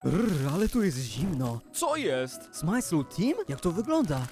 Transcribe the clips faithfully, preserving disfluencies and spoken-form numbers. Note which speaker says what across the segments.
Speaker 1: Rrr, ale tu jest zimno.
Speaker 2: Co jest?
Speaker 1: Smajslu Team? Jak to wygląda?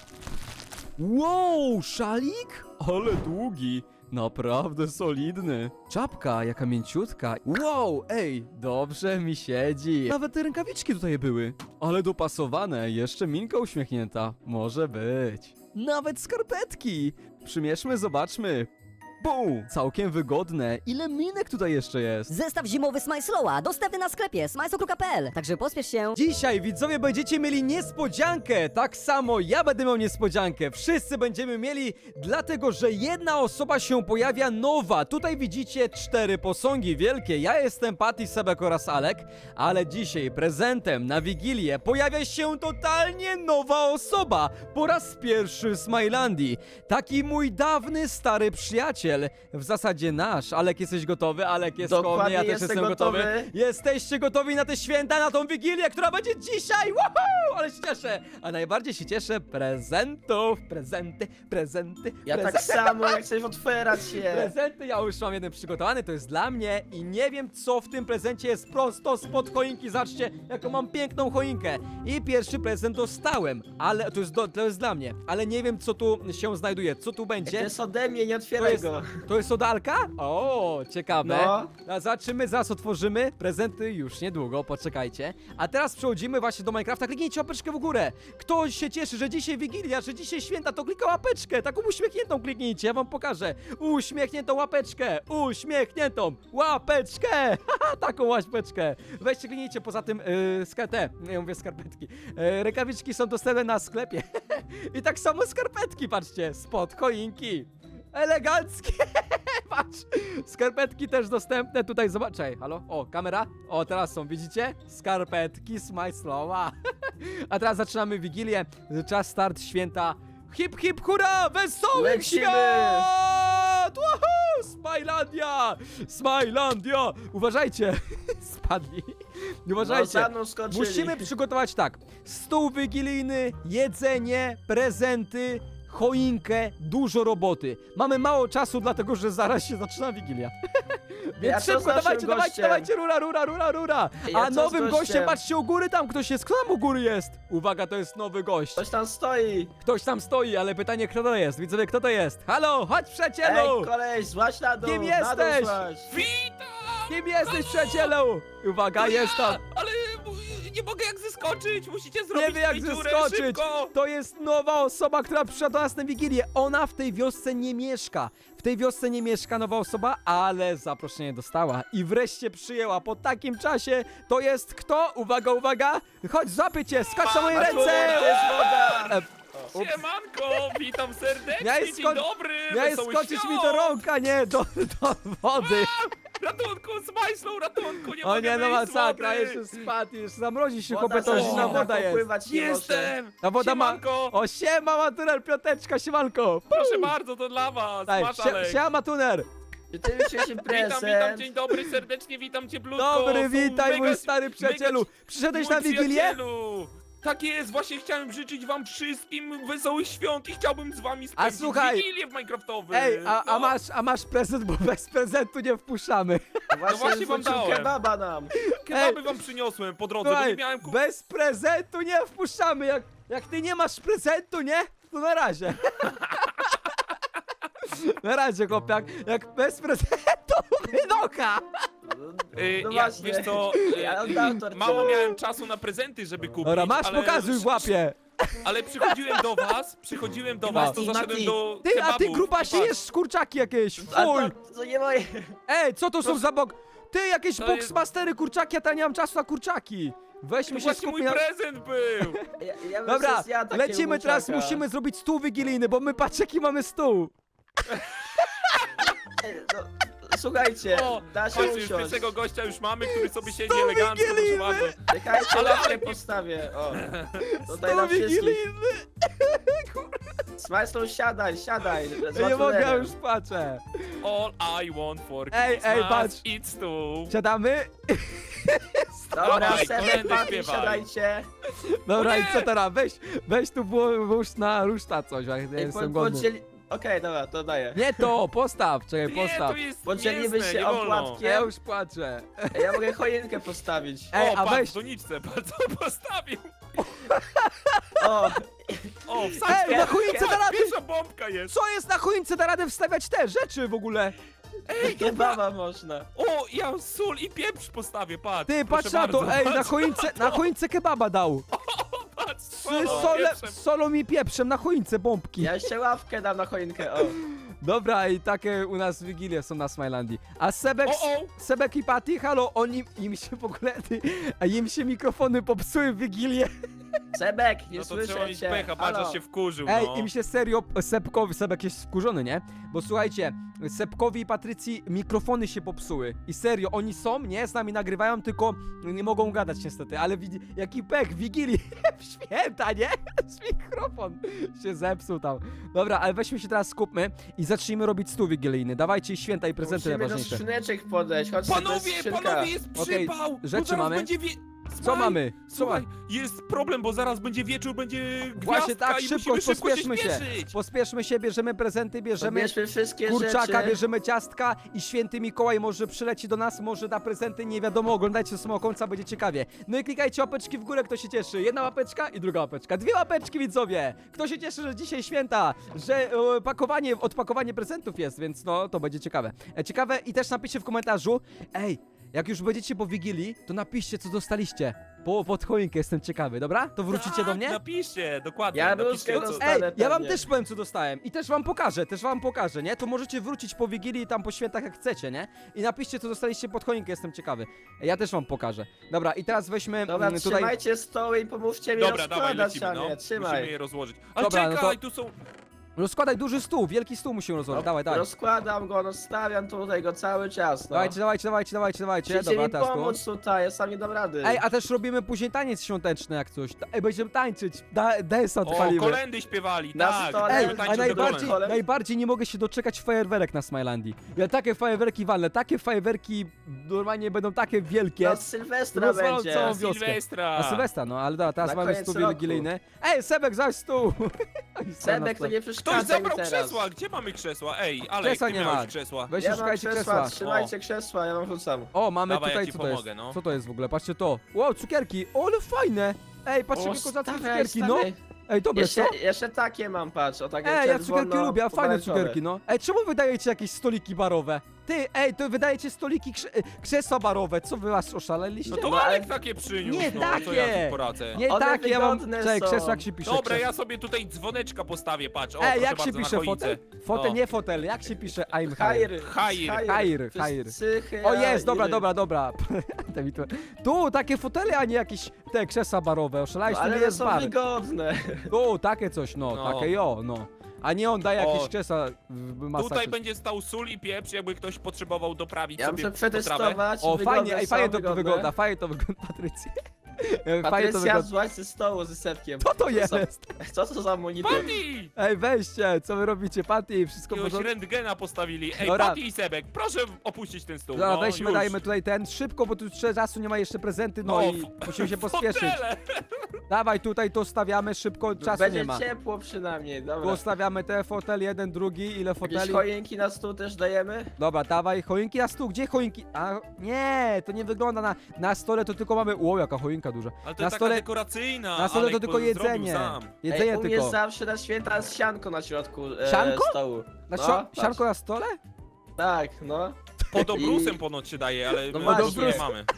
Speaker 1: Wow, szalik?
Speaker 2: Ale długi. Naprawdę solidny.
Speaker 1: Czapka, jaka mięciutka. Wow, ej, dobrze mi siedzi. Nawet te rękawiczki tutaj były.
Speaker 2: Ale dopasowane, jeszcze minka uśmiechnięta. Może być.
Speaker 1: Nawet skarpetki.
Speaker 2: Przymierzmy, zobaczmy. Bum! Całkiem wygodne. Ile minek tutaj jeszcze jest?
Speaker 3: Zestaw zimowy Smajslowa, dostępny na sklepie smajslo kropka p l. Także pospiesz się.
Speaker 2: Dzisiaj widzowie będziecie mieli niespodziankę. Tak samo ja będę miał niespodziankę. Wszyscy będziemy mieli, dlatego że jedna osoba się pojawia nowa. Tutaj widzicie cztery posągi wielkie. Ja jestem Patty, Sebek oraz Alek, ale dzisiaj prezentem na Wigilię pojawia się totalnie nowa osoba. Po raz pierwszy w Smilandii. Taki mój dawny, stary przyjaciel. W zasadzie nasz. Alek, jesteś gotowy? Alek jest koło mnie, ja też
Speaker 4: jestem
Speaker 2: jestem gotowy.
Speaker 4: gotowy.
Speaker 2: Jesteście gotowi na te święta, na tą Wigilię, która będzie dzisiaj? Woohoo! Ale się cieszę! A najbardziej się cieszę prezentów. Prezenty, prezenty,
Speaker 4: Ja
Speaker 2: prezenty.
Speaker 4: tak samo, jak chcesz otwierać się.
Speaker 2: Prezenty, ja już mam jeden przygotowany, to jest dla mnie i nie wiem, co w tym prezencie jest prosto spod choinki. Zobaczcie, jaką mam piękną choinkę. I pierwszy prezent dostałem, ale to jest, do, to jest dla mnie, ale nie wiem, co tu się znajduje, co tu
Speaker 4: To
Speaker 2: będzie.
Speaker 4: jest ode mnie, nie
Speaker 2: To
Speaker 4: otwieraj
Speaker 2: jest,
Speaker 4: go.
Speaker 2: to jest od Alka? O, ciekawe.
Speaker 4: No.
Speaker 2: A zobaczymy, zaraz otworzymy. Prezenty już niedługo, poczekajcie. A teraz przechodzimy właśnie do Minecrafta. Kliknijcie łapeczkę w górę. Kto się cieszy, że dzisiaj Wigilia, że dzisiaj święta, to klika łapeczkę. Taką uśmiechniętą kliknijcie, ja wam pokażę. Uśmiechniętą łapeczkę. Uśmiechniętą łapeczkę. Haha, taką łapeczkę. Weźcie, kliknijcie, poza tym yy, skate. Ja mówię skarpetki. Yy, rękawiczki są dostępne na sklepie. I tak samo skarpetki, patrzcie, spod choinki. Eleganckie! Patrz! Skarpetki też dostępne tutaj, zobaczcie. Halo? O, kamera? O, teraz są, widzicie? Skarpetki Smajslowa. A teraz zaczynamy Wigilię. Czas start święta. Hip, hip, hurra! Wesołych
Speaker 4: Lecimy!
Speaker 2: świąt! Woohoo! Smilandia! Smilandia! Uważajcie! Spadli.
Speaker 4: No,
Speaker 2: Uważajcie.
Speaker 4: za mną skoczyli.
Speaker 2: Musimy przygotować tak. Stół wigilijny, jedzenie, prezenty, choinkę, dużo roboty. Mamy mało czasu, dlatego że zaraz się zaczyna Wigilia. Więc
Speaker 4: Ja co z
Speaker 2: szybko,
Speaker 4: naszym
Speaker 2: dawajcie, dawajcie,
Speaker 4: gościem?
Speaker 2: dawajcie, rura, rura, rura, rura.
Speaker 4: Ja
Speaker 2: A
Speaker 4: co z
Speaker 2: nowym gościem,
Speaker 4: gościem?
Speaker 2: patrzcie u góry tam ktoś jest. Kto tam u góry jest? Uwaga, to jest nowy gość.
Speaker 4: Ktoś tam stoi.
Speaker 2: Ktoś tam stoi, ale pytanie kto to jest? Widzowie, kto to jest? Halo, chodź
Speaker 4: Ej,
Speaker 2: przyjacielu!
Speaker 4: koleś, złaź na dół.
Speaker 2: Kim
Speaker 4: na dół
Speaker 2: jesteś?
Speaker 4: złaź.
Speaker 2: Kim jesteś, przyjacielu? Uwaga, jest tam.
Speaker 5: Ale nie mogę jak zeskoczyć, musicie zrobić
Speaker 2: Nie wie jak
Speaker 5: mi dziurę,
Speaker 2: zeskoczyć.
Speaker 5: szybko!
Speaker 2: To jest nowa osoba, która przyszła do nas na Wigilię. Ona w tej wiosce nie mieszka. W tej wiosce nie mieszka nowa osoba, ale zaproszenie dostała i wreszcie przyjęła po takim czasie. To jest kto? Uwaga, uwaga! Chodź, złapię cię, skacz na moje
Speaker 4: A tu
Speaker 2: ręce!
Speaker 4: jest woda.
Speaker 2: E, ups.
Speaker 5: Siemanko, witam serdecznie,
Speaker 2: Miałeś
Speaker 5: dzień
Speaker 2: sko-
Speaker 5: dobry,
Speaker 2: Miałeś
Speaker 5: wesoły
Speaker 2: skoczyć
Speaker 5: świąt.
Speaker 2: mi do rąk, a nie do, do wody.
Speaker 5: Ratunku, Smajslow, ratunku, nie
Speaker 2: O
Speaker 5: mogę
Speaker 2: nie, no
Speaker 5: wyjść z
Speaker 2: masakra,
Speaker 5: wody.
Speaker 2: jeszcze spadł, już zamrozi się,
Speaker 4: Woda
Speaker 2: chłopie, to
Speaker 4: zamknięta,
Speaker 2: zimna woda jest.
Speaker 4: popływać nie może.
Speaker 5: Jestem!
Speaker 2: Ta woda ma...
Speaker 5: Siemanko,
Speaker 2: O, siema, Matuner, piąteczka, siemanko.
Speaker 5: proszę bardzo, to dla was,
Speaker 2: Daj,
Speaker 5: masz
Speaker 2: sie,
Speaker 5: Alek.
Speaker 2: siema, Matuner.
Speaker 4: Czy ty już się
Speaker 5: Witam,
Speaker 4: prezent?
Speaker 5: witam, dzień dobry, serdecznie witam cię, Blutko.
Speaker 2: Dobry,
Speaker 5: Są
Speaker 2: witaj,
Speaker 5: mega-
Speaker 2: mój stary przyjacielu.
Speaker 5: mega-
Speaker 2: Przyszedłeś
Speaker 5: mój
Speaker 2: na Wigilię?
Speaker 5: przyjacielu. Tak jest, właśnie chciałem życzyć wam wszystkim wesołych świąt i chciałbym z wami spędzić
Speaker 2: słuchaj-
Speaker 5: Wigilię w Minecraftowy.
Speaker 2: Ej, a, a,
Speaker 5: No.
Speaker 2: masz, a masz prezent, bo bez prezentu nie wpuszczamy.
Speaker 4: Właśnie,
Speaker 5: właśnie wam
Speaker 4: wrócił
Speaker 5: dałem.
Speaker 4: kebaba nam.
Speaker 5: Kebaby wam przyniosłem po drodze, bo
Speaker 2: Słuchaj,
Speaker 5: nie miałem kup...
Speaker 2: bez prezentu nie wpuszczamy. Jak, jak ty nie masz prezentu, nie? To na razie. Na razie, chłopiak. Jak bez prezentu, wynocha.
Speaker 5: Yy,
Speaker 4: No
Speaker 5: ja,
Speaker 4: właśnie.
Speaker 5: wiesz co, yy,
Speaker 4: Ja oddam tortę.
Speaker 5: mało miałem czasu na prezenty, żeby kupić,
Speaker 2: Dobra, masz,
Speaker 5: ale,
Speaker 2: pokazuj w łapie.
Speaker 5: ale przychodziłem do was, przychodziłem do was, to
Speaker 4: Mati,
Speaker 5: zaszedłem
Speaker 4: Mati.
Speaker 5: do
Speaker 2: Ty, a ty
Speaker 5: kebabów
Speaker 2: gruba
Speaker 5: i
Speaker 2: się
Speaker 5: patrz,
Speaker 2: jesz kurczaki jakieś.
Speaker 4: A
Speaker 2: Fuj.
Speaker 4: to, to nie moje.
Speaker 2: Ej, co to są za bok... Ty, jakieś
Speaker 5: To
Speaker 2: boxmastery kurczaki, a ja nie mam czasu na kurczaki.
Speaker 5: To
Speaker 2: Weźmy się
Speaker 5: właśnie mój
Speaker 2: skupmy na...
Speaker 5: prezent był!
Speaker 4: Ja, ja bym
Speaker 2: Dobra,
Speaker 4: sobie zjadł takiego
Speaker 2: lecimy teraz,
Speaker 4: kurczaka.
Speaker 2: musimy zrobić stół wigilijny, bo my patrz jaki mamy stół.
Speaker 4: Ej, no, słuchajcie,
Speaker 5: O,
Speaker 4: da się
Speaker 5: chodźcie, już
Speaker 4: usiąść.
Speaker 5: pierwszego gościa już mamy, który sobie siedzi
Speaker 2: Stół
Speaker 5: elegancko, proszę
Speaker 2: wigilijny!
Speaker 5: bardzo.
Speaker 4: Czekajcie,
Speaker 5: Ale-
Speaker 4: łapkę
Speaker 5: ale-
Speaker 4: postawię. O, tutaj
Speaker 2: Stół
Speaker 4: na wszystkich.
Speaker 2: wigilijny.
Speaker 4: Smajslow, siadaj, siadaj. z
Speaker 2: Ja nie mogę, ja
Speaker 4: Matunerem.
Speaker 2: już patrzę.
Speaker 5: All I want for
Speaker 2: Ej,
Speaker 5: Christmas
Speaker 2: ej, patrz.
Speaker 5: it's stół.
Speaker 2: Siadamy?
Speaker 4: Dobra,
Speaker 5: Dawaj,
Speaker 4: Sebek,
Speaker 5: kolędy
Speaker 4: Patty,
Speaker 5: śpiewaj.
Speaker 4: siadajcie.
Speaker 2: Dobra,
Speaker 5: O
Speaker 2: i
Speaker 5: nie!
Speaker 2: co teraz? Weź, weź tu było- włóż na ruszta coś, jak ja
Speaker 4: Ej,
Speaker 2: jestem
Speaker 4: po,
Speaker 2: głodny.
Speaker 4: podzieli, Okej, dobra, to daję.
Speaker 2: Nie to, postaw, czekaj,
Speaker 5: Nie,
Speaker 2: postaw.
Speaker 5: to jest
Speaker 4: Podzielimy
Speaker 5: mięsne,
Speaker 4: się
Speaker 5: nie wolno.
Speaker 4: opłatkiem.
Speaker 2: Ja już płaczę.
Speaker 4: Ej, ja mogę choinkę postawić.
Speaker 2: Ej,
Speaker 5: O,
Speaker 2: a
Speaker 5: patrz,
Speaker 2: weź-
Speaker 5: w doniczce, patrz, co postawił.
Speaker 4: O,
Speaker 5: O, wsadź
Speaker 2: Ej, na choince da radę!
Speaker 5: Pierwsza bombka jest.
Speaker 2: Co jest na choince, da radę wstawiać te rzeczy w ogóle?
Speaker 4: kebaba można.
Speaker 5: O, ja sól i pieprz postawię, patrz.
Speaker 2: Ty,
Speaker 5: proszę
Speaker 2: patrz na to,
Speaker 5: bardzo,
Speaker 2: ej, na
Speaker 5: patrz,
Speaker 2: choince, na choince kebaba dał.
Speaker 5: patrz,
Speaker 2: Z
Speaker 5: solą,
Speaker 2: sole,
Speaker 5: pieprzem.
Speaker 2: solą i pieprzem na choince bombki.
Speaker 4: Ja jeszcze ławkę dam na choinkę, o.
Speaker 2: Dobra, i takie u nas wigilie są na Smilandii. A Sebek,
Speaker 5: O, o.
Speaker 2: Sebek i Patty, halo, oni, im się w ogóle, ty, a im się mikrofony popsuły w wigilię.
Speaker 4: Sebek, nie
Speaker 5: No to trzeba
Speaker 4: słyszę
Speaker 5: mieć
Speaker 4: cię.
Speaker 5: pecha, patrz,
Speaker 4: Halo.
Speaker 5: aż się wkurzył,
Speaker 2: Ej,
Speaker 5: no.
Speaker 2: im się serio, Sebkowi, Sebek jest wkurzony, nie? Bo słuchajcie, Sebkowi i Patrycji mikrofony się popsuły. I serio, oni są, nie? Z nami nagrywają, tylko nie mogą gadać niestety. Ale widzi, jaki pech, wigilii, w święta, nie? Z mikrofon się zepsuł tam. Dobra, ale weźmy się teraz, skupmy i zacznijmy robić stół wigilijny. Dawajcie święta i prezenty
Speaker 4: Musimy do
Speaker 2: najważniejsze.
Speaker 4: skrzyneczek podejść, chodźcie, to jest
Speaker 5: Panowie,
Speaker 4: skrzynka.
Speaker 5: panowie, jest
Speaker 2: Okej,
Speaker 5: przypał! Bo
Speaker 2: rzeczy
Speaker 5: zaraz
Speaker 2: mamy?
Speaker 5: Będzie wie...
Speaker 2: Co
Speaker 5: Słuchaj,
Speaker 2: mamy? Co
Speaker 5: Słuchaj,
Speaker 2: mamy?
Speaker 5: jest problem, bo zaraz będzie wieczór, będzie gwiazdka
Speaker 2: Właśnie tak,
Speaker 5: i
Speaker 2: szybko,
Speaker 5: musimy szybko się
Speaker 2: pospieszmy się.
Speaker 5: śpieszyć.
Speaker 2: Pospieszmy się, bierzemy prezenty, bierzemy
Speaker 4: Bierzmy wszystkie
Speaker 2: kurczaka,
Speaker 4: rzeczy.
Speaker 2: bierzemy ciastka i święty Mikołaj może przyleci do nas, może da prezenty, nie wiadomo, oglądajcie do samego końca, będzie ciekawie. No i klikajcie łapeczki w górę, kto się cieszy. Jedna łapeczka i druga łapeczka. Dwie łapeczki, widzowie! Kto się cieszy, że dzisiaj święta, że e, pakowanie, odpakowanie prezentów jest, więc no, to będzie ciekawe. E, ciekawe i też napiszcie w komentarzu, ej, jak już będziecie po Wigilii, to napiszcie, co dostaliście. Po, pod choinkę, jestem ciekawy, dobra? To wrócicie
Speaker 5: tak,
Speaker 2: do mnie?
Speaker 5: Napiszcie, dokładnie.
Speaker 4: Ja
Speaker 5: napiszcie,
Speaker 4: bluzkę
Speaker 5: co...
Speaker 4: dostanę.
Speaker 2: Ej, ja wam
Speaker 4: pewnie.
Speaker 2: też powiem, co dostałem. I też wam pokażę, też wam pokażę, nie? To możecie wrócić po Wigilii tam po świętach jak chcecie, nie? I napiszcie, co dostaliście pod choinkę, jestem ciekawy. Ja też wam pokażę. Dobra, i teraz weźmy
Speaker 4: Dobra,
Speaker 2: mm, tutaj...
Speaker 4: trzymajcie stoły i pomóżcie mi
Speaker 5: Dobra, dawaj,
Speaker 4: rozkładać,
Speaker 5: lecimy,
Speaker 4: a
Speaker 5: no.
Speaker 4: nie, trzymaj.
Speaker 5: Musimy je rozłożyć. Ale
Speaker 2: Dobra, no
Speaker 5: czekaj,
Speaker 2: to-
Speaker 5: tu są...
Speaker 2: Rozkładaj duży stół, wielki stół musimy rozłożyć. Dawaj, dawaj.
Speaker 4: Rozkładam go, rozstawiam tutaj go cały czas, no.
Speaker 2: Dawajcie, dawajcie, dawajcie, dawajcie, dawajcie.
Speaker 4: Musicie
Speaker 2: Dobra,
Speaker 4: mi
Speaker 2: teraz tu.
Speaker 4: pomóc tutaj, ja sam nie dam rady.
Speaker 2: Ej, a też robimy później taniec świąteczny jak coś. Ta- Ej, będziemy tańczyć. Da, desa
Speaker 5: O,
Speaker 2: odpalimy.
Speaker 5: kolendy śpiewali,
Speaker 4: Na
Speaker 5: tak.
Speaker 4: stole.
Speaker 2: Ej,
Speaker 5: będziemy
Speaker 2: a
Speaker 5: tańczyć do
Speaker 2: najbardziej,
Speaker 5: kolęd.
Speaker 4: kolęd.
Speaker 2: najbardziej nie mogę się doczekać fajerwerek na Smilandii. Ja takie fajerwerki walnę, takie fajerwerki normalnie będą takie wielkie.
Speaker 4: No, Sylwestra
Speaker 2: Rozwalą
Speaker 4: będzie.
Speaker 2: całą
Speaker 5: Na
Speaker 2: wioskę.
Speaker 5: Sylwestra.
Speaker 2: A Sylwestra, no ale dobra, teraz
Speaker 4: Na
Speaker 2: mamy
Speaker 4: koniec
Speaker 2: stół
Speaker 4: roku.
Speaker 2: wigilijny. Ej, Sebek, zaś stół! Oni są
Speaker 4: Sebek,
Speaker 2: na
Speaker 4: to nie
Speaker 5: Ktoś
Speaker 4: przeszkadza mi
Speaker 5: zabrał
Speaker 4: teraz.
Speaker 5: krzesła, gdzie mamy krzesła? Ej, ale
Speaker 2: Krzesła
Speaker 5: ty
Speaker 2: nie
Speaker 5: miałeś
Speaker 2: ma.
Speaker 5: krzesła.
Speaker 2: Weźcie,
Speaker 4: Ja mam
Speaker 2: szukajcie
Speaker 4: krzesła,
Speaker 2: krzesła.
Speaker 4: trzymajcie krzesła, ja wam rzucam.
Speaker 2: O, mamy
Speaker 5: Dawaj,
Speaker 2: tutaj,
Speaker 5: ja ci
Speaker 2: co to jest?
Speaker 5: pomogę, no.
Speaker 2: Co to jest w ogóle? Patrzcie to. Wow, cukierki! O, ale fajne! Ej, patrzcie,
Speaker 4: O,
Speaker 2: jakie kozackie
Speaker 4: stawiaj,
Speaker 2: cukierki, no!
Speaker 4: stawiaj.
Speaker 2: Ej, dobre,
Speaker 4: Jeszcze,
Speaker 2: co?
Speaker 4: jeszcze takie mam, patrz, o takie
Speaker 2: Ej, ja cukierki
Speaker 4: czerwono-
Speaker 2: lubię, a fajne
Speaker 4: pomarańczowe.
Speaker 2: cukierki, no. Ej, czemu wydajecie jakieś stoliki barowe? Ty, ej, to wydajecie stoliki krze e, krzesła barowe, co wy was oszaleliście?
Speaker 5: No to
Speaker 4: No,
Speaker 5: Alek
Speaker 4: ale-
Speaker 5: takie przyniósł,
Speaker 2: Nie
Speaker 5: no, co ja
Speaker 2: takie.
Speaker 5: ci poradzę.
Speaker 2: Nie
Speaker 4: One
Speaker 2: tak, ja mam...
Speaker 4: wygodne
Speaker 2: Czekaj,
Speaker 4: są.
Speaker 2: krzesło jak się pisze?
Speaker 5: Dobra,
Speaker 2: krzesło.
Speaker 5: ja sobie tutaj dzwoneczka postawię, patrz. O,
Speaker 2: Ej,
Speaker 5: proszę
Speaker 2: jak się
Speaker 5: bardzo, na
Speaker 2: pisze
Speaker 5: choince.
Speaker 2: fotel? Fotel,
Speaker 5: O.
Speaker 2: nie fotel, jak się pisze I'm
Speaker 4: Hajr.
Speaker 2: higher?
Speaker 5: Hajr.
Speaker 2: Hajr, hajr.
Speaker 4: Cychy,
Speaker 2: O jest, dobra,
Speaker 4: iry.
Speaker 2: dobra, dobra. Daj mi to. Tu, takie fotele, a nie jakieś te krzesła barowe, oszalałeś,
Speaker 4: No,
Speaker 2: to nie
Speaker 4: ale one
Speaker 2: jest
Speaker 4: są
Speaker 2: bar.
Speaker 4: wygodne.
Speaker 2: Tu, takie coś, no,
Speaker 5: No.
Speaker 2: takie jo, no. A nie on daje jakieś
Speaker 5: O.
Speaker 2: krzesła w masakry.
Speaker 5: Tutaj będzie stał sól i pieprz, jakby ktoś potrzebował doprawić
Speaker 4: Ja
Speaker 5: sobie
Speaker 4: muszę
Speaker 5: potrawę.
Speaker 4: przetestować.
Speaker 2: O,
Speaker 4: wygodne
Speaker 2: fajnie, ej,
Speaker 4: są,
Speaker 2: fajnie to
Speaker 4: wygodne.
Speaker 2: wygląda, fajnie to wygląda, Patrycja. Fajnie to
Speaker 4: Patrycja,
Speaker 2: wygląda.
Speaker 4: złaź ze stołu ze sepkiem.
Speaker 2: Co to
Speaker 4: za-
Speaker 2: jest?
Speaker 4: Co to za monitor?
Speaker 5: Patty!
Speaker 2: Ej, weźcie, co wy robicie, Patty, wszystko w
Speaker 5: Jakiegoś
Speaker 2: porządku?
Speaker 5: rentgena postawili. Ej,
Speaker 2: Dobra.
Speaker 5: Patty i Sebek, proszę opuścić ten stół.
Speaker 2: Dobra,
Speaker 5: no,
Speaker 2: weźmy,
Speaker 5: już.
Speaker 2: dajmy tutaj ten, szybko, bo tu jeszcze czasu nie ma jeszcze prezenty, no,
Speaker 5: No,
Speaker 2: i
Speaker 5: f-
Speaker 2: musimy się pospieszyć.
Speaker 5: Fotele.
Speaker 2: Dawaj, tutaj to stawiamy szybko, czasu
Speaker 4: Będzie
Speaker 2: nie ma.
Speaker 4: ciepło przynajmniej,
Speaker 2: Tu
Speaker 4: dobra.
Speaker 2: stawiamy te fotel, jeden, drugi, ile
Speaker 4: Jakieś
Speaker 2: foteli?
Speaker 4: choinki na stół też dajemy?
Speaker 2: Dobra, dawaj, choinki na stół, gdzie choinki? A, nie, to nie wygląda na, na stole, to tylko mamy, ło, jaka choinka duża.
Speaker 5: Ale to
Speaker 2: Na
Speaker 5: jest
Speaker 2: stole-
Speaker 5: taka dekoracyjna.
Speaker 2: Na stole to
Speaker 5: Alek
Speaker 2: tylko
Speaker 5: zrobił
Speaker 2: jedzenie,
Speaker 5: sam.
Speaker 2: jedzenie
Speaker 4: Ej, u mnie
Speaker 2: tylko.
Speaker 4: zawsze na święta jest sianko na środku e,
Speaker 2: Sianko?
Speaker 4: stołu.
Speaker 2: Na
Speaker 4: No,
Speaker 2: sio-
Speaker 4: patrz.
Speaker 2: sianko na stole?
Speaker 4: Tak, no.
Speaker 5: Pod obrusem
Speaker 4: I-
Speaker 5: ponoć się daje, ale
Speaker 4: No
Speaker 5: my
Speaker 4: właśnie.
Speaker 5: obrus nie mamy.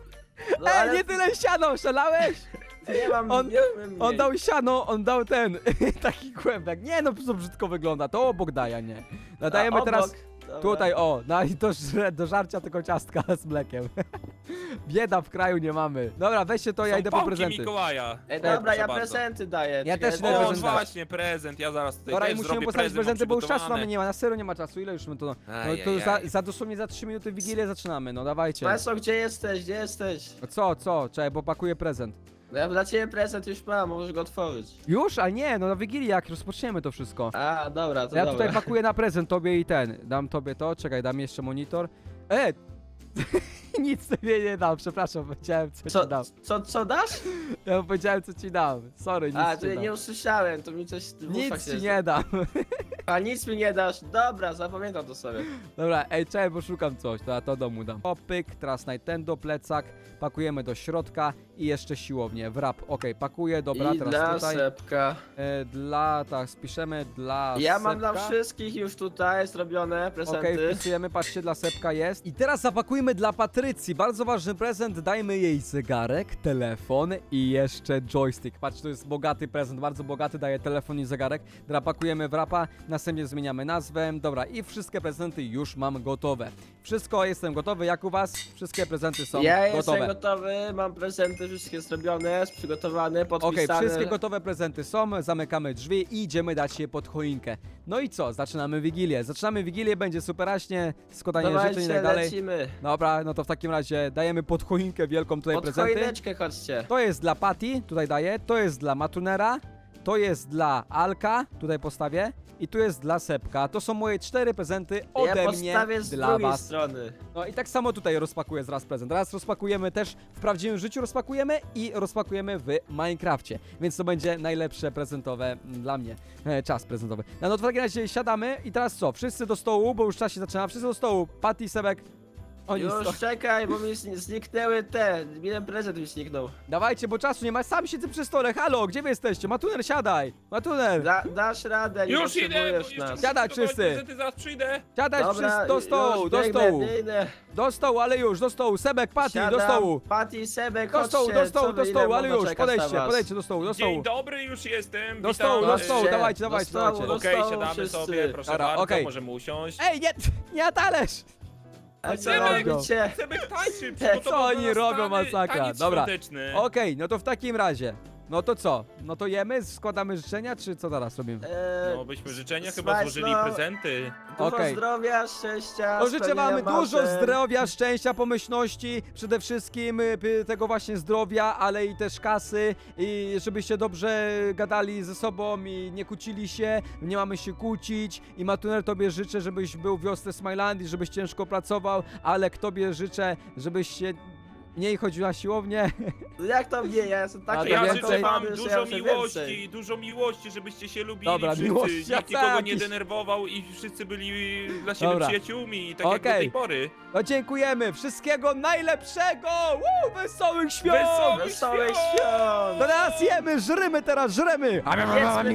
Speaker 4: no
Speaker 2: Ej,
Speaker 4: ale
Speaker 2: nie tyle siano, szalałeś?
Speaker 4: nie mam,
Speaker 2: on-
Speaker 4: nie umiem
Speaker 2: On
Speaker 4: mniej.
Speaker 2: dał siano, on dał ten, taki kłębek. Nie no, to brzydko wygląda, to obok daje, a nie. Nadajemy
Speaker 4: A,
Speaker 2: teraz
Speaker 4: obok. Dobra.
Speaker 2: tutaj, o, no i do, żre- do żarcia tylko ciastka z mlekiem. Bieda w kraju nie mamy. Dobra, weźcie to, ja
Speaker 5: Są
Speaker 2: idę po
Speaker 5: pałki
Speaker 2: prezenty.
Speaker 5: Mikołaja.
Speaker 4: Ej,
Speaker 2: Proszę
Speaker 4: dobra, ja
Speaker 5: bardzo.
Speaker 4: prezenty daję.
Speaker 2: Ja
Speaker 4: czekaj,
Speaker 2: też
Speaker 4: no,
Speaker 2: idę
Speaker 5: O,
Speaker 2: prezenty.
Speaker 5: właśnie, prezent, ja zaraz tutaj
Speaker 2: Dobra, i
Speaker 5: też
Speaker 2: musimy
Speaker 5: zrobię
Speaker 2: postawić
Speaker 5: prezent,
Speaker 2: prezenty, bo już
Speaker 5: mam
Speaker 2: czasu mamy
Speaker 5: przygotowane.
Speaker 2: nie ma, na serio nie ma czasu. Ile już my to... No to
Speaker 5: Ajajaj.
Speaker 2: za, za dosłownie za trzy minuty Wigilię zaczynamy, no dawajcie.
Speaker 4: Maso, gdzie jesteś? Gdzie jesteś?
Speaker 2: Co, co? Czekaj, bo pakuję prezent.
Speaker 4: No ja dla ciebie prezent już mam, możesz go otworzyć.
Speaker 2: Już? A nie, no na Wigilii jak rozpoczniemy to wszystko.
Speaker 4: A, dobra, to
Speaker 2: Ja
Speaker 4: dobra.
Speaker 2: tutaj pakuję na prezent tobie i ten. Dam tobie to, czekaj, dam jeszcze monitor. E! Nic sobie nie dam, przepraszam, powiedziałem co,
Speaker 4: Co,
Speaker 2: ci dam.
Speaker 4: co, co dasz?
Speaker 2: Ja powiedziałem co ci dam. Sorry, nic
Speaker 4: A,
Speaker 2: ci
Speaker 4: to ja
Speaker 2: dam.
Speaker 4: nie usłyszałem, to mi coś w uszach
Speaker 2: Nic
Speaker 4: się
Speaker 2: ci nie dam.
Speaker 4: A nic mi nie dasz. Dobra, zapamiętam to sobie.
Speaker 2: Dobra, ej, czekaj, bo szukam coś, to ja to domu dam. Opyk, teraz Nintendo, plecak, pakujemy do środka i jeszcze siłownię, wrap, okej, pakuję, dobra,
Speaker 4: I
Speaker 2: teraz
Speaker 4: dla
Speaker 2: tutaj,
Speaker 4: Sepka.
Speaker 2: e, dla, tak, spiszemy dla
Speaker 4: Ja mam dla
Speaker 2: Sepka.
Speaker 4: wszystkich już tutaj zrobione
Speaker 2: Okej,
Speaker 4: prezenty.
Speaker 2: wpisujemy, patrzcie, dla Sepka jest. I teraz zapakujmy dla Patrycji, bardzo ważny prezent, dajmy jej zegarek, telefon i jeszcze joystick. Patrz, to jest bogaty prezent, bardzo bogaty, daje telefon i zegarek. Dobra, pakujemy w rapa, następnie zmieniamy nazwę, dobra, i wszystkie prezenty już mam gotowe. Wszystko, jestem gotowy, jak u was? Wszystkie prezenty są
Speaker 4: Ja
Speaker 2: gotowe.
Speaker 4: jestem gotowy, mam prezenty wszystkie zrobione, przygotowane,
Speaker 2: Okej,
Speaker 4: podpisane.
Speaker 2: wszystkie gotowe prezenty są, zamykamy drzwi i idziemy dać je pod choinkę. No i co? Zaczynamy Wigilię. Zaczynamy Wigilię, będzie superaśnie, składanie życzeń i
Speaker 4: Dawajcie,
Speaker 2: tak dalej.
Speaker 4: lecimy.
Speaker 2: Dobra, no to w takim razie dajemy pod choinkę wielką tutaj
Speaker 4: Pod
Speaker 2: prezenty.
Speaker 4: choineczkę chodźcie.
Speaker 2: To jest dla Patty, tutaj daję, to jest dla Matunera, to jest dla Alka, tutaj postawię i tu jest dla Sepka. To są moje cztery prezenty ode
Speaker 4: Ja
Speaker 2: mnie
Speaker 4: postawię z
Speaker 2: dla
Speaker 4: drugiej
Speaker 2: was.
Speaker 4: strony.
Speaker 2: No i tak samo tutaj rozpakuję zaraz prezent. Raz rozpakujemy też w prawdziwym życiu rozpakujemy i rozpakujemy w Minecrafcie. Więc to będzie najlepsze prezentowe mm, dla mnie. E, czas prezentowy. No, no to w takim razie siadamy i teraz co? Wszyscy do stołu, bo już czas się zaczyna. Wszyscy do stołu. Patty, Sebek. Oni sto...
Speaker 4: Już czekaj, bo mi zni- zniknęły te. Jeden prezent mi zniknął.
Speaker 2: Dawajcie, bo czasu nie ma. Sam siedzę przy stole. Halo, gdzie wy jesteście? Matuner, siadaj. Matuner.
Speaker 4: Da, dasz radę, nie
Speaker 5: Już idę, bo
Speaker 4: potrzebujesz
Speaker 5: jeszcze
Speaker 4: nas.
Speaker 5: muszę
Speaker 2: Siadaj
Speaker 5: przygotować
Speaker 2: wszyscy.
Speaker 5: prezenty, zaraz przyjdę.
Speaker 2: Siadaj wszyscy do stołu,
Speaker 4: już
Speaker 2: do
Speaker 4: biegnę,
Speaker 2: stołu.
Speaker 4: biegnę.
Speaker 2: Do stołu, ale już, do stołu. Sebek, Patty, do
Speaker 4: Siadam.
Speaker 2: stołu.
Speaker 4: Patty, Sebek,
Speaker 2: Do stołu,
Speaker 4: chodźcie,
Speaker 2: do stołu,
Speaker 4: co
Speaker 2: do
Speaker 4: wy,
Speaker 2: stołu,
Speaker 4: ile
Speaker 2: ale
Speaker 4: można
Speaker 2: już,
Speaker 4: czekać na
Speaker 2: podejdźcie,
Speaker 4: was?
Speaker 2: podejdźcie do stołu, do stołu.
Speaker 5: Dzień dobry, już jestem.
Speaker 2: Do
Speaker 5: Witam.
Speaker 2: stołu, do
Speaker 4: Chodźcie.
Speaker 2: stołu, dawajcie,
Speaker 4: Do
Speaker 2: dawajcie,
Speaker 4: stołu,
Speaker 2: dawajcie.
Speaker 4: do
Speaker 5: Okej,
Speaker 4: stołu
Speaker 5: siadamy
Speaker 4: wszyscy.
Speaker 5: sobie, proszę
Speaker 2: Dobra,
Speaker 5: bardzo,
Speaker 2: okej.
Speaker 5: możemy usiąść.
Speaker 2: Ej, nie, nie na talerz!
Speaker 4: A co
Speaker 5: Sebek,
Speaker 4: robicie?
Speaker 5: Sebek tańczy,
Speaker 4: Co
Speaker 5: przygotował
Speaker 2: oni
Speaker 5: dla nas
Speaker 2: robią,
Speaker 5: tany-
Speaker 2: masakra?
Speaker 5: taniec
Speaker 2: Dobra.
Speaker 5: świąteczny.
Speaker 2: Okej, no to w takim razie. No to co? No to jemy, składamy życzenia, czy co teraz robimy?
Speaker 4: Eee,
Speaker 5: No byśmy życzenia
Speaker 4: s-
Speaker 5: chyba
Speaker 4: Smajslo.
Speaker 5: złożyli prezenty.
Speaker 4: Dużo
Speaker 2: Okej.
Speaker 4: zdrowia, szczęścia,
Speaker 2: No życzę wam
Speaker 4: spełnienia
Speaker 2: dużo
Speaker 4: marzeń.
Speaker 2: zdrowia, szczęścia, pomyślności, przede wszystkim y, y, tego właśnie zdrowia, ale i też kasy i żebyście dobrze gadali ze sobą i nie kłócili się, nie mamy się kłócić i Matuner, tobie życzę, żebyś był w wiosce Smilandii, żebyś ciężko pracował, ale tobie życzę, żebyś się mniej chodził na siłownię.
Speaker 4: No jak to mnie? Ja jestem
Speaker 2: A
Speaker 4: taki
Speaker 2: to
Speaker 5: Ja
Speaker 2: więcej?
Speaker 5: życzę wam
Speaker 4: zakochany, że
Speaker 5: dużo
Speaker 4: ja chcę
Speaker 5: miłości,
Speaker 4: więcej.
Speaker 5: dużo miłości, żebyście się lubili
Speaker 2: Dobra,
Speaker 5: wszyscy,
Speaker 2: miłości,
Speaker 5: nikt
Speaker 2: a
Speaker 5: nikogo nie
Speaker 2: jakiś-
Speaker 5: denerwował i wszyscy byli dla siebie
Speaker 2: Dobra.
Speaker 5: przyjaciółmi, tak jak do
Speaker 2: Okej.
Speaker 5: tej pory.
Speaker 2: No dziękujemy, wszystkiego najlepszego! Woo, wesołych świąt!
Speaker 5: Wesołych
Speaker 4: Wesołych
Speaker 5: świąt!
Speaker 4: świąt!
Speaker 2: Teraz jemy, żrymy teraz, żrymy!
Speaker 4: Jedzmy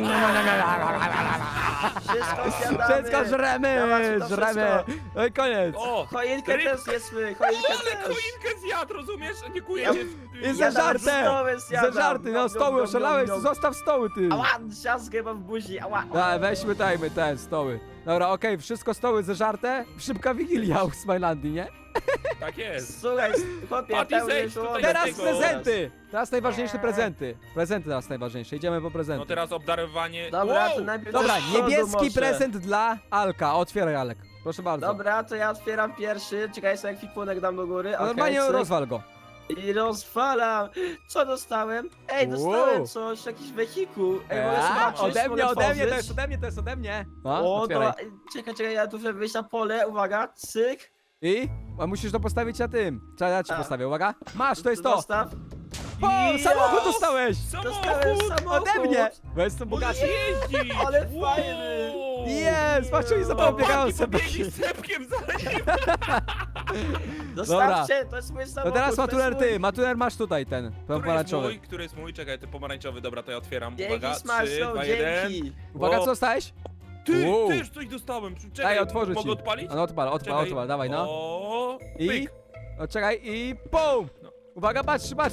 Speaker 4: Wszystko zjadamy!
Speaker 2: Wszystko żremy,
Speaker 4: Dawajcie to
Speaker 2: żremy.
Speaker 4: wszystko.
Speaker 2: No i koniec.
Speaker 5: O,
Speaker 4: Choinkę
Speaker 5: ryb-
Speaker 4: też jedzmy,
Speaker 5: O,
Speaker 4: choinkę
Speaker 5: ale
Speaker 4: też!
Speaker 5: choinkę zjadł, rozumiesz? Nie
Speaker 2: Ja-
Speaker 5: kujecie.
Speaker 2: I ze
Speaker 4: Ja nawet
Speaker 2: żartem!
Speaker 4: stoły
Speaker 2: Ze
Speaker 4: zjadam.
Speaker 2: żarty, no
Speaker 4: Nom,
Speaker 2: stoły,
Speaker 4: nom, nom,
Speaker 2: oszalałeś,
Speaker 4: nom.
Speaker 2: zostaw stoły, ty!
Speaker 4: Ała, siaskę mam w buzi, ała!
Speaker 2: Da, weźmy, dajmy te stoły. Dobra, okej, wszystko stoły ze żarte. Szybka wigilia u Smilandii, nie?
Speaker 5: Tak jest.
Speaker 4: Słuchaj, chłopie,
Speaker 5: Patty,
Speaker 4: pełny
Speaker 5: zejdź tutaj
Speaker 4: żołądek.
Speaker 2: Teraz
Speaker 5: tego.
Speaker 2: prezenty! Teraz najważniejsze prezenty. Prezenty teraz najważniejsze, idziemy po prezenty.
Speaker 5: No teraz obdarowanie.
Speaker 4: Dobra,
Speaker 5: Wow!
Speaker 4: to najpierw
Speaker 2: Dobra,
Speaker 4: do przodu
Speaker 2: niebieski
Speaker 4: może.
Speaker 2: prezent dla Alka. Otwieraj, Alek. Proszę bardzo.
Speaker 4: Dobra, to ja otwieram pierwszy. Czekaj, sobie kwipunek dam do góry.
Speaker 2: No
Speaker 4: Okej,
Speaker 2: normalnie
Speaker 4: cyk.
Speaker 2: rozwal go.
Speaker 4: I rozwalam. Co dostałem? Ej, dostałem
Speaker 2: Wow.
Speaker 4: coś, jakiś wehikuł. Ej, mogę
Speaker 2: Eee,
Speaker 4: zobaczyć,
Speaker 2: ode
Speaker 4: mogę
Speaker 2: mnie, ode mnie, to
Speaker 4: otworzyć?
Speaker 2: jest ode mnie, to jest ode mnie. No,
Speaker 4: O,
Speaker 2: otwieraj.
Speaker 4: to... Czekaj, czekaj, ja tu muszę wyjść na pole, uwaga, cyk.
Speaker 2: I? A musisz to postawić na tym. Czekaj, ja ci
Speaker 4: A.
Speaker 2: postawię, uwaga. Masz, to jest to.
Speaker 4: Dostaw.
Speaker 2: O,
Speaker 4: Ja!
Speaker 2: samochód dostałeś!
Speaker 4: Dostałem
Speaker 5: Samochód!
Speaker 4: samochód.
Speaker 2: Ode mnie! Bo jestem
Speaker 5: Możesz
Speaker 2: bogaty.
Speaker 5: jeździć!
Speaker 4: Ale
Speaker 5: Wow!
Speaker 4: fajny.
Speaker 2: Jest, patrz, oni za
Speaker 5: O,
Speaker 2: tobą biegają
Speaker 5: Patty
Speaker 2: sobie.
Speaker 5: pobiegli z sepkiem za nim.
Speaker 4: Dostawcie, to jest mój
Speaker 2: To
Speaker 4: samochód.
Speaker 2: teraz
Speaker 4: to jest
Speaker 2: Matuner
Speaker 4: mój.
Speaker 2: ty, Matuner masz tutaj ten,
Speaker 5: Który jest
Speaker 2: pomarańczowy.
Speaker 5: mój? Który jest mój? Czekaj, ten pomarańczowy, dobra, to ja otwieram.
Speaker 4: Dzięki,
Speaker 5: Uwaga, trzy,
Speaker 4: Smajslow,
Speaker 5: dwa, jeden.
Speaker 4: dzięki.
Speaker 2: Uwaga,
Speaker 5: O,
Speaker 2: co dostałeś?
Speaker 5: Ty,
Speaker 2: Wow.
Speaker 5: też coś dostałem. Czekaj,
Speaker 2: Daj, otworzę ci.
Speaker 5: mogę odpalić?
Speaker 2: No odpal, odpal,
Speaker 5: Czekaj.
Speaker 2: odpal, dawaj no.
Speaker 5: O,
Speaker 2: I?
Speaker 5: pyk.
Speaker 2: No czekaj i PUM!
Speaker 5: No.
Speaker 2: Uwaga, patrz, patrz!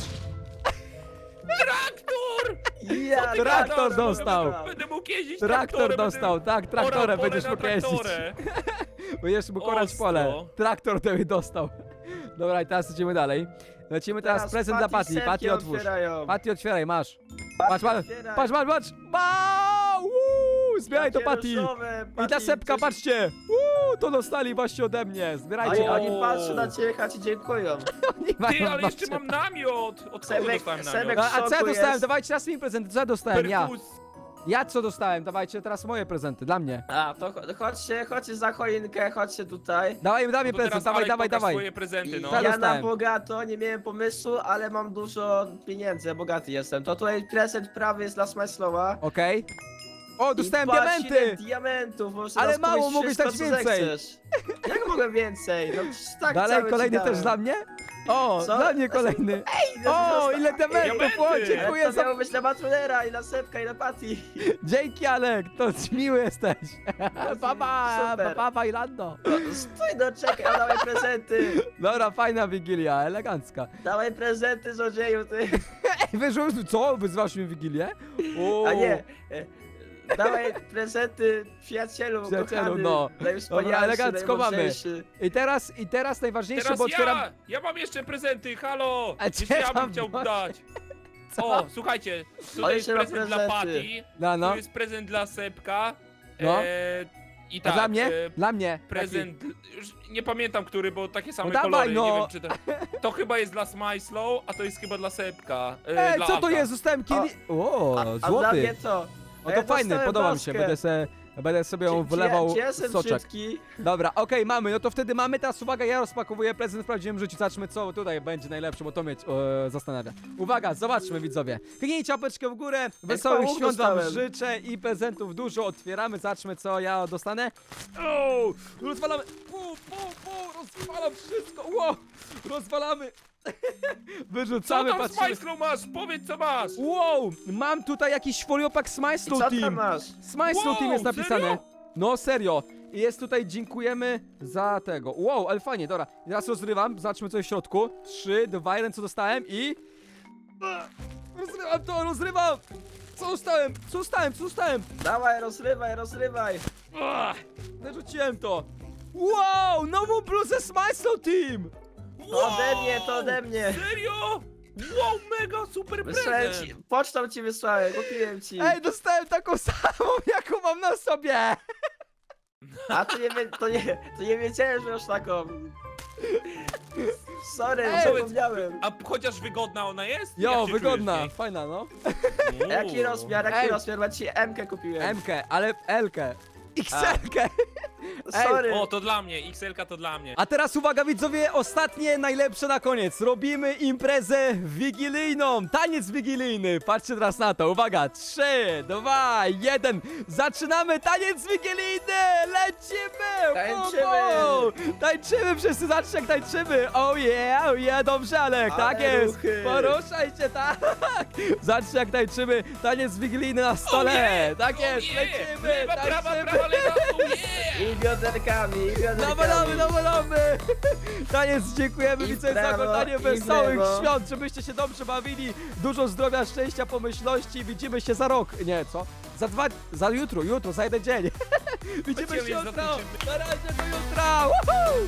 Speaker 5: Traktor!
Speaker 4: Ja,
Speaker 2: Traktor
Speaker 4: traktor
Speaker 2: dostał.
Speaker 4: dostał.
Speaker 5: Będę mógł jeździć
Speaker 2: Traktor
Speaker 5: traktorem,
Speaker 2: dostał,
Speaker 5: będę
Speaker 2: tak, traktorem
Speaker 5: orał pole
Speaker 2: będziesz
Speaker 5: na
Speaker 2: mógł jeździć.
Speaker 5: traktorę.
Speaker 2: Będziesz mógł orać
Speaker 5: Ostro.
Speaker 2: pole. Traktor tebe dostał. Dobra, i teraz idziemy dalej. Lecimy teraz, prezent dla Patty.
Speaker 4: setki
Speaker 2: Patty otwórz.
Speaker 4: otwierają.
Speaker 2: Patty otwieraj, masz.
Speaker 4: Patty,
Speaker 2: Patrz, patrz,
Speaker 4: otwieraj.
Speaker 2: patrz, patrz, patrz! Wow! Woo! Zbieraj to,
Speaker 4: Jakie
Speaker 2: Patty!
Speaker 4: różowe,
Speaker 2: I ta
Speaker 4: Patty,
Speaker 2: sepka,
Speaker 4: coś-
Speaker 2: patrzcie! Uuu, to dostali właśnie ode mnie. Zbierajcie.
Speaker 4: Oni,
Speaker 2: Oni,
Speaker 4: oni patrzą na ciebie, a ci dziękują.
Speaker 2: oni
Speaker 5: Ty,
Speaker 2: mają
Speaker 5: ale jeszcze
Speaker 2: babcie.
Speaker 5: mam namiot! Od kogo
Speaker 4: Sebek-
Speaker 5: dostałem
Speaker 4: Sebek-
Speaker 5: namiot?
Speaker 2: A, a co ja
Speaker 4: szoku
Speaker 2: dostałem?
Speaker 4: jest.
Speaker 2: Dawajcie teraz mi prezenty. Co ja dostałem? Ja.
Speaker 5: Perfus.
Speaker 2: Ja co dostałem? Dawajcie teraz moje prezenty, dla mnie.
Speaker 4: A, to cho- chodźcie, chodźcie za choinkę, chodźcie tutaj.
Speaker 2: Dawaj, daj mi
Speaker 5: No to
Speaker 2: prezent,
Speaker 5: teraz
Speaker 2: dawaj,
Speaker 5: Alek,
Speaker 2: dawaj,
Speaker 5: pokaż
Speaker 2: dawaj.
Speaker 5: swoje prezenty, no.
Speaker 2: Ja
Speaker 4: Ja
Speaker 2: dostałem.
Speaker 4: na bogato, nie miałem pomysłu, ale mam dużo pieniędzy, ja bogaty jestem. To tutaj prezent prawy jest dla Smajslowa.
Speaker 2: Okej. O, dostałem
Speaker 4: I patrz, ile
Speaker 2: diamenty!
Speaker 4: diamentów, możesz
Speaker 2: Ale
Speaker 4: teraz
Speaker 2: mało,
Speaker 4: kupić
Speaker 2: mogłeś
Speaker 4: wszystko,
Speaker 2: dać
Speaker 4: co
Speaker 2: więcej.
Speaker 4: zechcesz. Jak mogę więcej? No przecież tak
Speaker 2: Dalej,
Speaker 4: cały ci
Speaker 2: kolejny
Speaker 4: dałem.
Speaker 2: też dla mnie? O,
Speaker 4: Co?
Speaker 2: dla mnie kolejny.
Speaker 4: Ej, no
Speaker 2: O,
Speaker 4: zostaw-
Speaker 2: ile diamentów!
Speaker 5: Diamenty!
Speaker 2: O,
Speaker 4: Ale
Speaker 2: dziękuję
Speaker 4: to
Speaker 2: za...
Speaker 4: miało być na Matrunera i na Sepka i na Patty.
Speaker 2: Dzięki, Alek, to miły jesteś. Papa,
Speaker 4: Super.
Speaker 2: papa, Ilando.
Speaker 4: No, stój, no czekaj, a dawaj prezenty.
Speaker 2: Dobra, fajna Wigilia, elegancka.
Speaker 4: Dawaj prezenty, złodzieju, ty.
Speaker 2: Ej, wyrzucił, co? Wyzwasz mi Wigilię? O,
Speaker 4: A nie. e, Dawaj prezenty przyjacielu,
Speaker 2: Przyjacielu,
Speaker 4: kochany,
Speaker 2: no.
Speaker 4: najwspanialszy,
Speaker 2: Dobra, elegancko mamy.
Speaker 4: najmądrzejszy.
Speaker 2: I teraz, i teraz najważniejsze,
Speaker 5: Teraz
Speaker 2: bo
Speaker 5: ja!
Speaker 2: otwieram...
Speaker 5: Ja mam jeszcze prezenty, halo!
Speaker 2: A
Speaker 5: Jeszcze
Speaker 2: gdzie
Speaker 5: ja
Speaker 2: tam
Speaker 5: bym chciał
Speaker 2: masz?
Speaker 5: dać.
Speaker 2: Co?
Speaker 5: O, słuchajcie,
Speaker 4: Ale
Speaker 5: tutaj jest
Speaker 4: jeszcze ma
Speaker 5: prezent dla
Speaker 4: prezenty.
Speaker 5: Patty,
Speaker 2: No, no.
Speaker 5: tu jest prezent dla Sepka.
Speaker 2: No.
Speaker 5: E, I
Speaker 2: A
Speaker 5: tak,
Speaker 2: dla mnie?
Speaker 5: e,
Speaker 2: Dla mnie.
Speaker 5: prezent, już nie pamiętam który, bo takie same
Speaker 2: No dawaj,
Speaker 5: kolory,
Speaker 2: no.
Speaker 5: nie wiem czy to... To chyba jest dla Smyslow, a to jest chyba dla Sepka. E,
Speaker 2: Ej,
Speaker 5: dla
Speaker 2: co to
Speaker 5: Alka.
Speaker 2: jest? Zostałem kieli... O,
Speaker 4: A, a dla
Speaker 2: złoty.
Speaker 4: mnie co?
Speaker 2: O,
Speaker 4: A
Speaker 2: to
Speaker 4: ja
Speaker 2: fajny,
Speaker 4: dostałem
Speaker 2: podoba mi
Speaker 4: maskę.
Speaker 2: się. Będę, se, będę sobie ją
Speaker 4: Czy-
Speaker 2: wlewał
Speaker 4: czy ja, czy ja jestem
Speaker 2: soczek.
Speaker 4: brzydki?
Speaker 2: Dobra, okej, mamy, no to wtedy mamy. Teraz uwaga, ja rozpakowuję prezent w prawdziwym życiu. Zobaczmy, co tutaj będzie najlepsze, bo to mnie e, zastanawia. Uwaga, zobaczmy, widzowie. Kliknijcie łapeczkę w górę. Wesołych
Speaker 4: pałuch
Speaker 2: świąt wam
Speaker 4: dostałem.
Speaker 2: życzę i prezentów dużo. Otwieramy, zobaczmy, co ja dostanę. O, rozwalamy. Pu, pu, pu, rozwalam wszystko. Ło, rozwalamy.
Speaker 5: Co
Speaker 2: Wyrzucamy,
Speaker 5: tam
Speaker 2: patrzymy.
Speaker 5: Smyslow masz? Powiedz co masz!
Speaker 2: Wow, mam tutaj jakiś foliopak Smile
Speaker 4: I
Speaker 2: Slow
Speaker 4: co tam
Speaker 2: Team.
Speaker 4: masz?
Speaker 2: Smile Slow
Speaker 5: Wow,
Speaker 2: Team jest napisane.
Speaker 5: serio?
Speaker 2: No serio. I jest tutaj dziękujemy za tego. Wow, ale fajnie, dobra. I teraz rozrywam, zobaczmy co jest w środku. trzy, dwa, jeden, co dostałem i... Rozrywam to, rozrywam! Co dostałem? Co dostałem? Co dostałem?
Speaker 4: Dawaj, rozrywaj, rozrywaj.
Speaker 2: Ach, Wyrzuciłem to. Wow, nową bluzę Smile Slow Team!
Speaker 4: To ode mnie, to ode mnie.
Speaker 5: Serio? Wow, mega super
Speaker 4: Wysłałem
Speaker 5: prezent!
Speaker 4: ci, pocztą ci wysłałem, kupiłem ci.
Speaker 2: Ej, dostałem taką samą, jaką mam na sobie!
Speaker 4: A to nie, wie- to nie, to nie wiedziałem, że już taką. Sorry,
Speaker 2: Ej,
Speaker 4: zapomniałem.
Speaker 5: A chociaż wygodna ona jest?
Speaker 2: Jo,
Speaker 5: Jak się
Speaker 2: wygodna,
Speaker 5: czujesz w
Speaker 2: fajna no.
Speaker 5: niej?
Speaker 4: Jaki rozmiar, jaki
Speaker 2: Ej.
Speaker 4: rozmiar? Bo ci M-kę kupiłem.
Speaker 2: M-kę, ale L-kę. X L-kę.
Speaker 4: Sorry.
Speaker 5: O, to dla mnie, X L-ka to dla mnie.
Speaker 2: A teraz uwaga widzowie, ostatnie, najlepsze na koniec. Robimy imprezę wigilijną, taniec wigilijny. Patrzcie teraz na to, uwaga, trzy, dwa, jeden. Zaczynamy taniec wigilijny, lecimy.
Speaker 4: Tańczymy.
Speaker 2: Hu, hu. Tańczymy wszyscy, zobaczcie jak tańczymy. Oh yeah, oh yeah, dobrze Alek,
Speaker 4: Ale
Speaker 2: tak jest.
Speaker 4: ruchy.
Speaker 2: Poruszaj się, tak. Zobaczcie jak tańczymy, taniec wigilijny na stole.
Speaker 5: Oh yeah,
Speaker 2: Tak
Speaker 5: oh
Speaker 2: jest,
Speaker 5: yeah.
Speaker 2: lecimy,
Speaker 5: Lewa, prawa,
Speaker 2: tańczymy.
Speaker 5: prawa, lewa, oh yeah!
Speaker 4: I bioderkami, i bioderkami.
Speaker 2: Nawalamy, nawalamy! Taniec, dziękujemy
Speaker 4: I
Speaker 2: widzowie za
Speaker 4: prawo,
Speaker 2: oglądanie
Speaker 4: i
Speaker 2: wesołych
Speaker 4: lewo.
Speaker 2: świąt, żebyście się dobrze bawili, dużo zdrowia, szczęścia, pomyślności, widzimy się za rok, nie, co? Za dwa, za jutro, jutro, za jeden dzień. Widzimy
Speaker 5: Będziemy
Speaker 2: się
Speaker 5: za
Speaker 2: jutro,
Speaker 5: tydzień.
Speaker 2: na razie do jutra! Woohoo!